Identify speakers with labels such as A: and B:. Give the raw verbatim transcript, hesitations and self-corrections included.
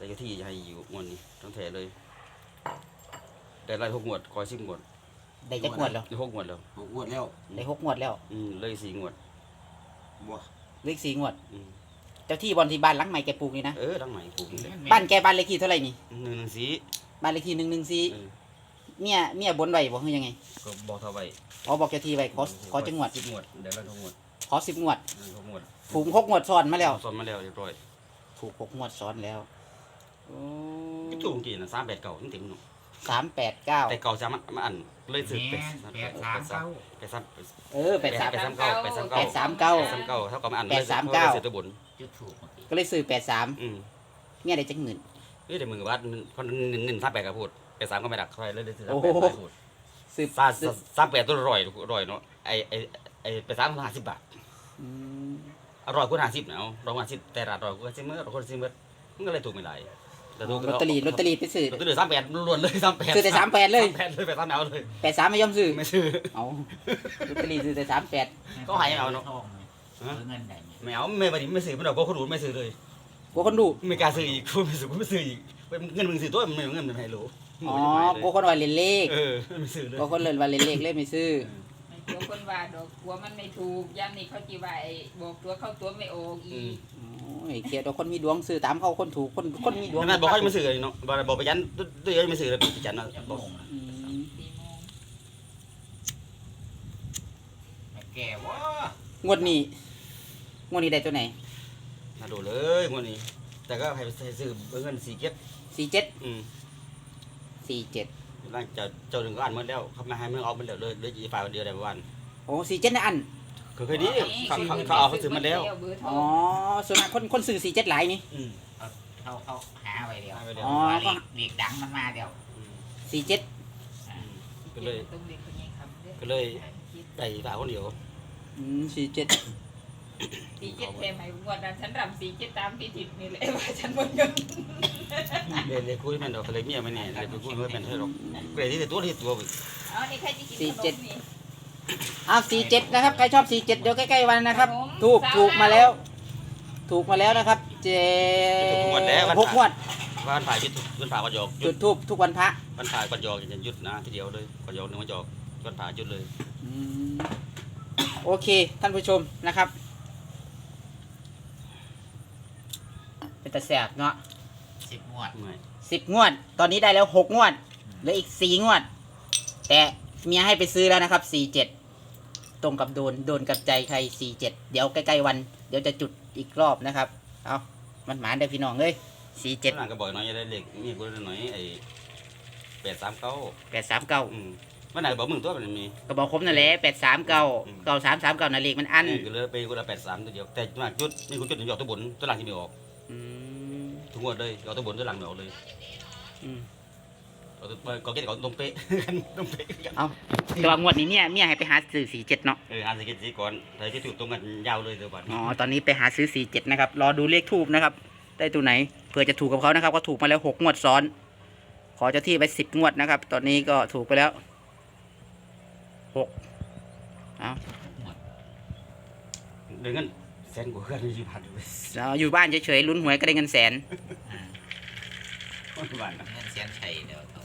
A: แต่ที่จะให้อยู่งวดนี้ทั้งแถเลยแต่ไล่หกงวดคอยสิบงวด
B: ได้จักงวดแล้ว
A: ได้หกงวดแล้ว
C: หกงวดแล้ว
B: ได้หกงวดแล้ว
A: อืมเลยสี่งวด
C: บ่
B: เลขสี่งวด
A: อืม
B: เจ้าที่บอลที่บ้านหลังใหม่แกปลูกนี่นะ
A: เออทั้งใหม่ปลูกนี่แหละ
B: บ้านแกบ้านเลขที่เท่าไหร่นี่
A: หนึ่งหนึ่งสี
B: บ้านเลขที่หนึ่งหนึ่งสี่
A: เออ
B: เมียเมียบนไว้บอกคือยังไง
A: ก็บอกเท่าไว้
B: อ๋อบอกเจ้าที่ไว้ขอขอจังหวัด
A: สิบงวดเดี๋ยวไล่หกงวด
B: ขอสิบงวด
A: เออหกงวด
B: ถูกหกงวดซ้อนมาแล้ว
A: ซ้อมมาแล้วเรียบร้อย
B: ถูกหกงวดซ้อนแล้วโอ้
A: ก็ถูกจริงนะสามแปดเก่าจริงๆเนาะ
B: สามแปดเก้า
A: แต่เก่าจะมามาอันเลยสืบเป็ด
D: แปดสามเก้า
A: ไปซ้ำไป
B: เออแปดสาม
A: ไปซ้ำเก่าไปซ้ำ
B: แป
A: เก่า
B: ดสามเก้า
A: ไปซ้ำเก่าเท่ากับมาอัน
B: แปดสามเก้า
A: เสือตัวบน
D: จุดถูกเมื่อกี้
B: ก็เลยซื้อแปดสาม
A: อืม
B: เมียได้จักหมื่น
A: เฮ้ยแต่มึงกับว่าคนหนึ่งหนึ่งสามแปดกับพูดไปสามก็ไม่ดักใครเลยเลยสือสาม
B: โอ้
A: แป
B: โห
A: ดพูด
B: ซื้อ
A: สาม
B: ซื้อ
A: สามแปดตัวอร่อยอร่อยเนาะไอไอไอไปสามห้าสิบบาท
B: อืม
A: อร่อยกว่าห้าสิบเนาะร้อยห้าสิบแต่ร้านอร่อยกว่าซิมเมอร์คนซิมเมอร์มันก็เลยถูกไม่หลายแต่ถูก
B: ลอตเตอรี่ลอตเตอรี่ไปซื้อ
A: ลอตเตอรี่สามแปดล้วนเลยสามแปด
B: ซื้อแต่สามแปดเลย
A: สามแปดเลยไปสามแนวเลย
B: แปดสามไม่ยอมซื้อ
A: ไม่ซื้อ
B: เอาลอตเตอรี่ซื้อแต่สามแปด
A: ก็หายเอาเนอะ
D: ทองเนี่ยเงินได้เนี่ย
A: ไม่เอาไม่ไปดิไม่ซื้อมันเอาก็คนรู้ไม่ซื้อเลย
B: กลัวคนดู
A: ไม่กล้าซื้ออีกกูไม่ซื้อกูไม่ซื้ออีกเงินมึงซื้อตัวมันเงินมันให้รู้
B: อ๋อกลัวคนว่าเล่นเลข
A: เออไม่ซื้อเลย
B: กลัวคนเล่นว่าเล่นเลขเลยไม่ซื้อ
E: ไม่กลัวคนว่าดอกกลัวมันไม่ถูกย่ำนี่เขาจีว่าไอ้บอกตัวเข้าตัวไม่ออกอีก
B: โอ้ยเขียดเอาคนมีดวงซื้อตามเขาคนถูกคนคนมีดวง
A: ขนาดบอกให้มาซื้อเนาะบอกบอกไปยันตัวยังไม่ซื้อเลยไปยันเนาะ
D: จะ
A: บอก
D: งงนะ
B: อืม
E: สี่โมง
D: แม่แก่วะ
B: งวดนี้งวดนี้ได้ตัวไหน
A: น่าดูเลยงวดนี้ แต่ก็ให้ซื้อเงินสี่เก็บ
B: สี่เจ็ด
A: อืม
B: สี่เจ็ด
A: ร่างจะเจ้าหนึ่งก็อ่านหมดแล้วเขามาให้เมื่อเอามันเดียวเลยเลยอีฝ่ายวันเดียวได้วัน
B: โอ้สี่เจ็ดนะอัน
A: คือเคยดีเขาเขาเขาเอาเขาซื้อมาแล้ว
E: เบอร์โทร
B: อ๋อส่วนมากคนคนซื้อสี่เจ็ดหลายนี่
A: อืม
D: เขาเขาหาไว้เดียว
A: หาไว้เดียว
B: อ๋อ
D: ว่าเลขเลขดังมันมาเดียว
B: สี่เจ็ด
A: ก็เลย
E: ต้องเด็กคนนี้คำเด้อ
A: ก็เลยได้ฝ่ายคนเดียว
B: อืมสี่เจ็ด
E: สี่เจ็ดเทมไอ้งวดนั้นฉันรำสี่เจ็ดตามที่ถิดนี่แหละว่าฉันหมดเงิน
A: เลยเลยคุยมันดอกเลยเมียมันเนี่ยเลยไปคุยไม่เป็นเท่าหรอกเลยที่ตัวที่ตัว
E: เอานี่ใครจะกินขนมนี่
B: อ้าวสี่เจ็ดนะครับใครชอบสี่เจ็ดเดี๋ยวใกล้ๆวันนะครับ
E: ครับผม
B: ถูกถูกมาแล้ว ถูกมาแล้วนะครับ เจหกงวด
A: วันผ่ายยุดวันผ่าวันหยอก
B: จุดทูบทุกวันพระ
A: วันผ่าวันหยอกจะยุดนะทีเดียวเลยวันหยอกหนึ่งวันหยอกวันผ่ายุดเลย
B: อืมโอเคท่านผู้ชมนะครับ เป็นตาแสบเนาะ
D: สิบงวด
A: ไม่
B: สิบงวด ตอนนี้ได้แล้วหกงวดเหลืออีกสี่งวด แต่เมียให้ไปซื้อแล้วนะครับสี่เจ็ดตรงกับโดนโดนกับใจใครสี่เจ็ดเดี๋ยวใกล้ๆวัน เดี๋ยวจะจุดอีกรอบนะครับ เอามันหมานได้พี่น้องเลยสี่เจ็ด
A: หลังก็บอกน้อยได้เล็กมีกูได้หน่อยไอ้แปดสามเก้า
B: แปดสามเก้า
A: อืมวันไหนบอกมึงตัวมันมี
B: ก็บอกคมนั่นแหละแปดสามเก้า
A: อืม
B: เก้าสามสามเก้านั่นเลขมันอัน
A: ก็เลยไปกูละแปดสามตัวเดียวแต่มาจุดนี่กูจุดหนึ่งหยอกตัวบนตัวหลังที่ไม่ออก
B: อืม
A: ทุกงวดเลยหยอกตัวบนตัวหลังไม่ออกเลย
B: อืม
A: ก็ก็เก็ตก็ตรงเป๊ะตรงเป๊ะ
B: เอาแต่ว่างวดนี้เนี่ยเมียให้ไปหาซื้อสี่เจ็ดเนาะ
A: เอออ่านสกิทสีก่อนแต่ที่ถูกตรงกันยาวเลยเดี๋ยวก่อน
B: อ๋อ ตอนนี้ไปหาซื้อสี่เจ็ดนะครับ รอดูเลขทูบนะครับ ได้ตัวไหน เผื่อจะถูกกับเขานะครับ ก็ถูกมาแล้วหกงวดซ้อน ขอเจ้าที่ไปสิบงวดนะครับ ตอนนี้ก็ถูกไปแล้วหกเอา
A: เดี๋ยวงั้นแสนกว่าเพื่อนยี่พันเลย
B: เราอยู่บ้านเฉยๆลุ้นหวยก็ได้เงินแสน
A: บ้านนะ
D: เงินเสียนชัยเดียวเท่า